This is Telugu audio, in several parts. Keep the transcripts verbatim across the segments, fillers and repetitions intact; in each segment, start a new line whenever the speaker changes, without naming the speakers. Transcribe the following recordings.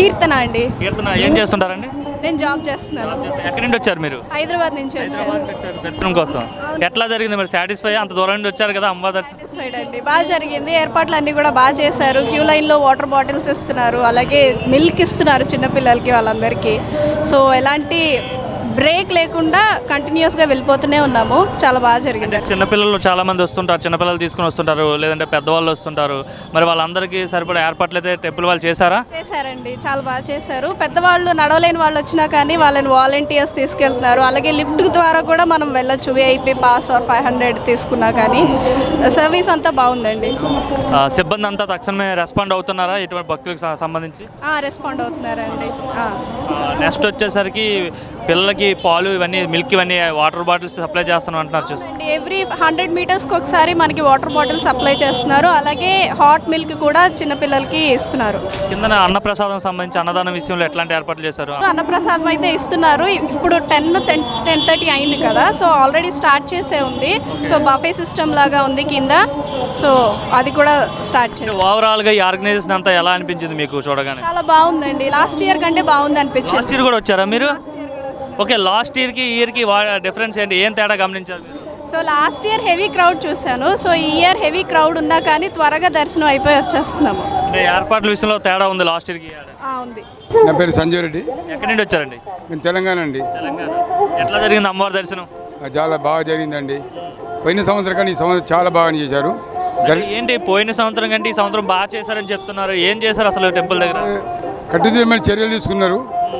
కీర్తన అండి.
కీర్తన ఏం చేస్తుంటారండి?
నేను జాబ్ చేస్తున్నాను.
ఎక్కడి నుండి వచ్చారు మీరు?
హైదరాబాద్ నుంచి వచ్చాను.
దర్శనం కోసం ఎట్లా జరిగింది మరి? సాటిస్ఫై? అంత దూరం నుండి వచ్చారు కదా అమ్మవారి దర్శనం.
సాటిస్ఫైడ్ అండి, బాగా జరిగింది. ఏర్పాట్లు అన్నీ కూడా బాగా చేశారు. క్యూ లైన్లో వాటర్ బాటిల్స్ ఇస్తున్నారు, అలాగే మిల్క్ ఇస్తున్నారు చిన్నపిల్లలకి వాళ్ళందరికీ. సో ఎలాంటి బ్రేక్ లేకుండా కంటిన్యూస్గా వెళ్ళిపోతూనే ఉన్నాము. చాలా బాగా జరిగింది.
చిన్నపిల్లలు చాలా మంది వస్తుంటారు, చిన్నపిల్లలు తీసుకుని వస్తుంటారు, లేదంటే పెద్దవాళ్ళు వస్తుంటారు. మరి వాళ్ళందరికీ సరిపడా ఏర్పాట్లు అయితే టెంపుల్ వాళ్ళు చేశారా?
చేశారండి, చాలా బాగా చేశారు. పెద్దవాళ్ళు నడవలేని వాళ్ళు వచ్చినా కానీ వాళ్ళని వాలంటీర్స్ తీసుకెళ్తున్నారు. అలాగే లిఫ్ట్ ద్వారా కూడా మనం వెళ్ళొచ్చు, VIP pass or five hundred తీసుకున్నా కానీ. సర్వీస్ అంతా బాగుందండి.
సిబ్బంది అంతా తక్షణమే రెస్పాండ్ అవుతున్నారా ఇటువంటి భక్తులకు సంబంధించి?
రెస్పాండ్ అవుతున్నారండి.
నెక్స్ట్ వచ్చేసరికి పిల్లలకి పాలు ఇవన్నీ, మిల్క్ ఇవన్నీ, వాటర్ బాటిల్స్ సప్లై చేస్తాను అంటున్నారు. చూసి
ఎవ్రీ హండ్రెడ్ మీటర్స్కి ఒకసారి మనకి వాటర్ బాటిల్ సప్లై చేస్తున్నారు. అలాగే హాట్ మిల్క్ కూడా చిన్నపిల్లలకి ఇస్తున్నారు.
కింద అన్నప్రసాదం సంబంధించి అన్నదానం విషయంలో ఎట్లాంటి ఏర్పాట్లు చేశారు?
అన్నప్రసాదం అయితే ఇస్తున్నారు. ఇప్పుడు టెన్ టెన్ టెన్ థర్టీ అయింది కదా, సో ఆల్రెడీ స్టార్ట్ చేసే ఉంది. సో బఫే సిస్టమ్ లాగా ఉంది కింద, సో అది కూడా స్టార్ట్ చేసి.
ఓవరాల్గా ఈ ఆర్గనైజేషన్ అంతా ఎలా అనిపించింది మీకు చూడగానే?
చాలా బాగుందండి. లాస్ట్ ఇయర్ కంటే బాగుంది అనిపించింది.
లాస్ట్ ఇయర్ కూడా వచ్చారా మీరు? ఓకే, లాస్ట్ ఇయర్కి ఈ ఇయర్కి డిఫరెన్స్ ఏంటి, ఏం తేడా గమనించారు?
So last year heavy crowd చూశాను. సో ఈ ఇయర్ హెవీ క్రౌడ్ ఉన్నా కానీ త్వరగా దర్శనం అయిపోయి వచ్చేస్తున్నాము.
అంటే ఏర్పాట్ల విషయంలో తేడా ఉంది లాస్ట్ ఇయర్కి?
ఉంది.
నా పేరు సంజయ్ రెడ్డి.
ఎక్కడి నుండి వచ్చారండి?
నేను తెలంగాణ అండి.
తెలంగాణ. ఎట్లా జరిగింది అమ్మవారి దర్శనం?
చాలా బాగా జరిగిందండి. పోయిన సంవత్సరం కానీ ఈ సంవత్సరం చాలా బాగా చేశారు.
ఏంటి పోయిన సంవత్సరం కంటే ఈ సంవత్సరం బాగా చేశారని చెప్తున్నారు, ఏం చేశారు అసలు టెంపుల్ దగ్గర?
కట్టుదిట్టమైన చర్యలు తీసుకున్నారు.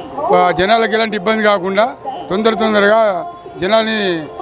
జనాలకు ఎలాంటి ఇబ్బంది కాకుండా తొందర తొందరగా జనాల్ని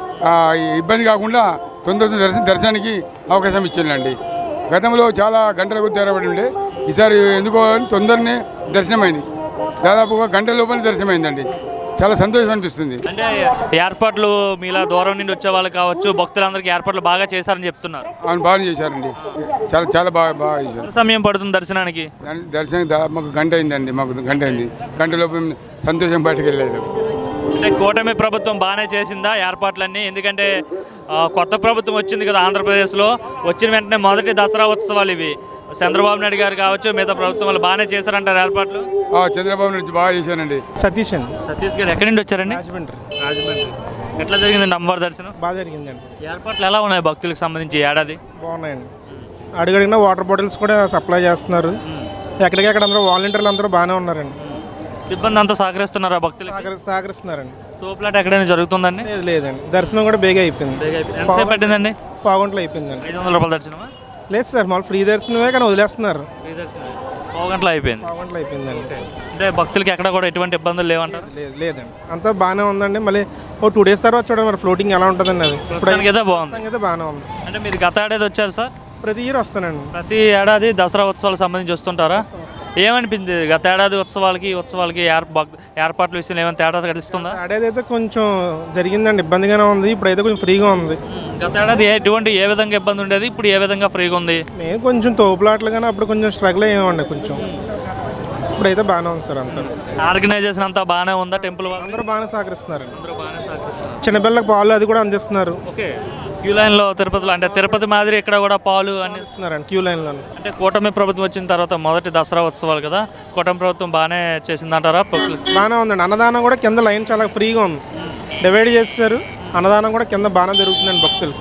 ఇబ్బంది కాకుండా తొందర దర్శన దర్శనానికి అవకాశం ఇచ్చిందండి. గతంలో చాలా గంటలకు తెరబడి ఉండే, ఈసారి ఎందుకో తొందరనే దర్శనమైంది. దాదాపుగా గంటల లోపల దర్శనమైందండి. చాలా సంతోషం అనిపిస్తుంది.
అంటే ఏర్పాట్లు మీలా దూరం నుండి వచ్చే వాళ్ళు కావచ్చు, భక్తులందరికీ ఏర్పాట్లు బాగా చేశారని చెప్తున్నారు.
అవును, బాగా చేశారండి. చాలా చాలా బాగా బాగా చేశారు.
సమయం పడుతుంది దర్శనానికి?
దర్శనం మాకు గంట అయిందండి. మాకు గంట అయింది. గంట లోపు సంతోషం బయటకు వెళ్ళలేదు.
అంటే కూటమి ప్రభుత్వం బాగానే చేసిందా ఏర్పాట్లన్నీ? ఎందుకంటే కొత్త ప్రభుత్వం వచ్చింది కదా ఆంధ్రప్రదేశ్లో, వచ్చిన వెంటనే మొదటి దసరా ఉత్సవాలు ఇవి. చంద్రబాబు నాయుడు గారు కావచ్చు, మిగతా ప్రభుత్వం వాళ్ళు బాగానే చేశారంటారు ఏర్పాట్లు?
చంద్రబాబు నాయుడు బాగా చేశానండి.
సతీష్ అండి.
సతీష్ గారు ఎక్కడి నుండి వచ్చారండి?
రాజమండ్రి.
రాజమండ్రి. ఎట్లా జరిగిందండి అమ్మవారి దర్శనం?
బాగా జరిగిందండి.
ఏర్పాట్లు ఎలా ఉన్నాయి భక్తులకు సంబంధించి ఏడాది?
బాగున్నాయండి. అడుగడిగిన వాటర్ బాటిల్స్ కూడా సప్లై చేస్తున్నారు. ఎక్కడికెక్కడ అందరూ వాలంటీర్లు అందరూ బాగానే ఉన్నారండి.
సిబ్బంది అంతా సహకరిస్తున్నారా భక్తులు?
సహకరిస్తున్నారండి.
తోపులాట ఎక్కడైనా జరుగుతుందండి?
లేదు లేదండి, దర్శనం కూడా బేగా అయిపోయింది.
ఎంతసేపు పట్టిందండి?
పావుగంటలో అయిపోయిందండి.
ఐదు వందల రూపాయల దర్శనమా?
లేదు సార్, మామూలు ఫ్రీ దర్శనమే, కానీ వదిలేస్తున్నారు.
పావుగంటలో అయిపోయింది.
పావుగంటలో అయిపోయిందండి.
అంటే భక్తులకి ఎక్కడ కూడా ఎటువంటి ఇబ్బందులు లేవంటారు?
లేదు లేదండి, అంతా బాగానే ఉందండి. మళ్ళీ ఓ టూ డేస్ తర్వాత చూడండి మరి ఫ్లోటింగ్ ఎలా ఉంటుందండి. అది
ఇప్పుడు అయితే బాగుంది.
అయితే బాగానే ఉంది.
అంటే మీరు గత ఏడాది వచ్చారు సార్?
ప్రతి ఇయర్ వస్తానండి.
ప్రతి ఏడాది దసరా ఉత్సవాలకు సంబంధించి వస్తుంటారా? ఏమనిపించింది గత ఏడాది ఉత్సవాలకి ఉత్సవాలకి ఏర్పాట్ల విషయంలో ఏమైనా తేడా తెలుస్తుందా?
ఏడాది అయితే కొంచెం జరిగిందండి, ఇబ్బందిగానే ఉంది. ఇప్పుడైతే కొంచెం ఫ్రీగా ఉంది.
గత ఏడాది ఎటువంటి ఏ విధంగా ఇబ్బంది ఉండేది, ఇప్పుడు ఏ విధంగా ఫ్రీగా ఉంది?
నేను కొంచెం తోపులాట్లు కానీ అప్పుడు కొంచెం స్ట్రగుల్ అయ్యామండి కొంచెం. ఇప్పుడైతే బాగానే ఉంది సార్. అంతా
ఆర్గనైజేషన్ అంతా బాగానే ఉందా? టెంపుల్
అందరూ బాగానే సహకరిస్తున్నారు. చిన్నపిల్లలకు పాలు అది కూడా అందిస్తున్నారు.
ఓకే, క్యూ లైన్లో తిరుపతిలో అంటే తిరుపతి మాదిరి ఇక్కడ కూడా పాలు
అందిస్తున్నారండి క్యూ లైన్లో.
అంటే కూటమి ప్రభుత్వం వచ్చిన తర్వాత మొదటి దసరా ఉత్సవాలు కదా, కూటమి ప్రభుత్వం బాగానే చేసిందంటారా?
బాగానే ఉందండి. అన్నదానం కూడా కింద లైన్ చాలా ఫ్రీగా ఉంది, డివైడ్ చేస్తారు. అన్నదానం కూడా కింద బాగానే జరుగుతుందండి భక్తులు.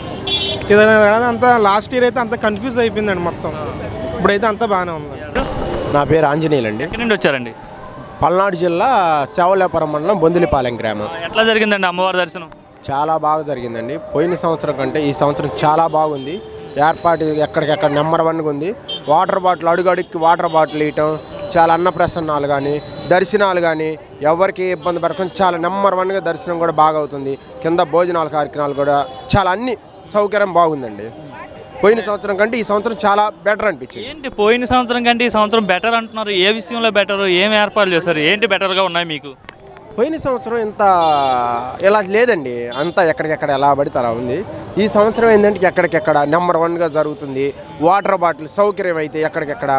ఏదైనా అంతా లాస్ట్ ఇయర్ అయితే అంత కన్ఫ్యూజ్ అయిపోయిందండి మొత్తం. ఇప్పుడైతే అంతా బాగానే ఉంది.
నా పేరు ఆంజనేయులు అండి.
ఎక్కడి నుండి వచ్చారండి?
పల్నాడు జిల్లా సేవలేపురం మండలం బొందిలిపాలెం గ్రామం.
ఎట్లా జరిగిందండి అమ్మవారి దర్శనం?
చాలా బాగా జరిగిందండి. పోయిన సంవత్సరం కంటే ఈ సంవత్సరం చాలా బాగుంది. ఏర్పాటు ఎక్కడికెక్కడ నెంబర్ వన్గా ఉంది. వాటర్ బాటిల్ అడుగడుక్కి వాటర్ బాటిల్ ఇవ్వటం, చాలా అన్నప్రసన్నాలు కానీ దర్శనాలు కానీ ఎవరికి ఇబ్బంది పడకుండా చాలా నెంబర్ వన్గా దర్శనం కూడా బాగా అవుతుంది. కింద భోజనాల కార్యక్రమాలు కూడా చాలా అన్ని సౌకర్యం బాగుందండి. పోయిన సంవత్సరం కంటే ఈ సంవత్సరం చాలా బెటర్ అనిపించింది.
ఏంటి పోయిన సంవత్సరం కంటే ఈ సంవత్సరం బెటర్ అంటున్నారు? ఏ విషయంలో బెటర్? ఏం ఏర్పాట్లు చేస్తారు? ఏంటి బెటర్గా ఉన్నాయి మీకు?
పోయిన సంవత్సరం ఇంత ఇలా లేదండి, అంతా ఎక్కడికెక్కడ ఎలా పడితే అలా ఉంది. ఈ సంవత్సరం ఏంటంటే ఎక్కడికెక్కడ నెంబర్ వన్గా జరుగుతుంది. వాటర్ బాటిల్ సౌకర్యం అయితే ఎక్కడికెక్కడ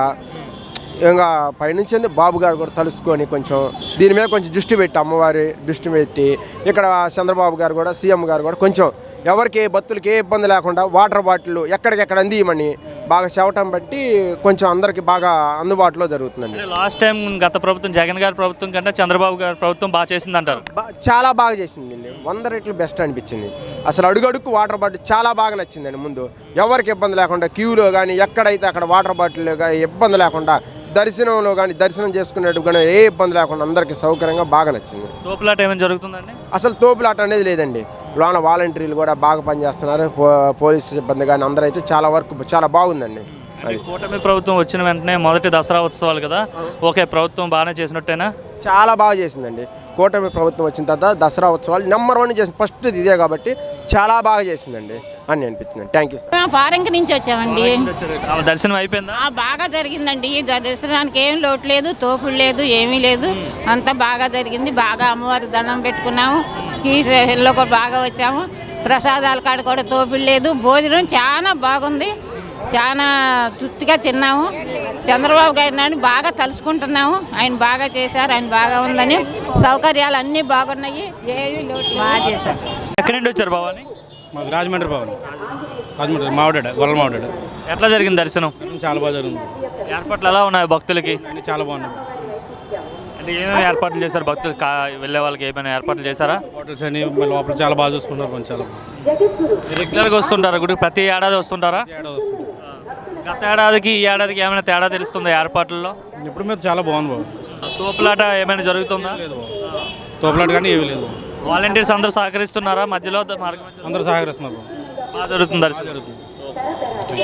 ఇంకా పైనుంచి బాబు గారు కూడా తలుసుకొని కొంచెం దీని మీద కొంచెం దృష్టి పెట్టి, అమ్మవారి దృష్టి పెట్టి ఇక్కడ చంద్రబాబు గారు కూడా సీఎం గారు కూడా కొంచెం ఎవరికి ఏ భక్తులకి ఏ ఇబ్బంది లేకుండా వాటర్ బాటిల్ ఎక్కడికెక్కడ అందియమని బాగా చెవటం బట్టి కొంచెం అందరికి బాగా అందుబాటులో జరుగుతుందండి.
లాస్ట్ టైం గత ప్రభుత్వం జగన్ గారి ప్రభుత్వం కంటే చంద్రబాబు గారి ప్రభుత్వం బాగా చేసింది అంటారు.
బా- చాలా బాగా చేసిందండి, వంద రెట్లు బెస్ట్ అనిపించింది. అసలు అడుగడుక్కు వాటర్ బాటిల్ చాలా బాగా నచ్చిందండి. ముందు ఎవరికి ఇబ్బంది లేకుండా క్యూలో కానీ ఎక్కడైతే అక్కడ వాటర్ బాటిల్ కానీ ఇబ్బంది లేకుండా, దర్శనంలో కానీ దర్శనం చేసుకునేట్టు కానీ ఏ ఇబ్బంది లేకుండా అందరికీ సౌకర్యంగా బాగా నచ్చింది.
తోపులాట ఏమైనా జరుగుతుందండి?
అసలు తోపులాట అనేది లేదండి. లోన వాలంటీర్లు కూడా బాగా పనిచేస్తున్నారు, పో- పోలీసు సిబ్బంది కానీ అందరూ అయితే చాలా వరకు చాలా బాగుందండి.
అంటే కూటమి ప్రభుత్వం వచ్చిన వెంటనే మొదటి దసరా ఉత్సవాలు కదా, ఓకే ప్రభుత్వం బాగానే చేసినట్టేనా?
చాలా బాగా చేసిందండి. కూటమి ప్రభుత్వం వచ్చిన తర్వాత దసరా ఉత్సవాలు నెంబర్ వన్ చేసింది, ఫస్ట్ ఇదే కాబట్టి చాలా బాగా చేసిందండి అని అనిపించింది. Thank you sir.
మేము ఫారెన్కి నుంచి వచ్చామండి.
ఆమె దర్శనం అయిపోయిందా?
ఆ, బాగా జరిగిందండి. ఈ దర్శనానికి ఏం లోటు లేదు, తోపుడు లేదు, ఏమీ లేదు. అంతా బాగా జరిగింది. బాగా అమ్మవారి దండం పెట్టుకున్నాము. కీలో కూడా బాగా వచ్చాము. ప్రసాదాల కాడ కూడా తోపుడు లేదు. భోజనం చాలా బాగుంది. చాలా తృప్తిగా తిన్నాము. చంద్రబాబు గారిని బాగా తలుసుకుంటున్నాము. ఆయన బాగా చేశారు, ఆయన బాగా ఉందని. సౌకర్యాలు అన్నీ బాగున్నాయి, ఏమీ లోటు బాగా చేశారు.
ఎక్కడి నుండి వచ్చారు భవాని?
మాది రాజమండ్రి భవన్, రాజమండ్రి మావిడాడ గొల్ల మావిడాడ.
ఎట్లా జరిగింది దర్శనం?
చాలా బాగా జరిగింది,
ఏర్పాట్లు ఎలా ఉన్నాయి భక్తులకి?
అన్నీ చాలా బాగున్నాయి.
అంటే ఏమేమి ఏర్పాట్లు చేశారు భక్తులు కా వెళ్ళే వాళ్ళకి ఏమైనా ఏర్పాట్లు చేశారా?
హోటల్స్ అని లోపల చాలా బాగా చూసుకుంటారు, కొంచెం చాలా బాగా.
రెగ్యులర్గా వస్తుంటారా గుడికి? ప్రతి ఏడాది వస్తుంటారా?
ఏడాది వస్తుంది.
గత ఏడాదికి ఈ ఏడాదికి ఏమైనా తేడా తెలుస్తుందా ఏర్పాట్లలో?
ఇప్పుడు మీద చాలా బాగుంది బాబు.
తోపులాట ఏమైనా జరుగుతుందా?
లేదు బాబు, తోపులాట కానీ ఏమీ లేదు.
వాలంటీర్స్ అందరూ సహకరిస్తున్నారా? మధ్యలో మార్గం మధ్యలో
అందరూ సహకరిస్తున్నారు బాబు,
బాగా జరుగుతుంది దర్శనం.
జరుగుతుంది.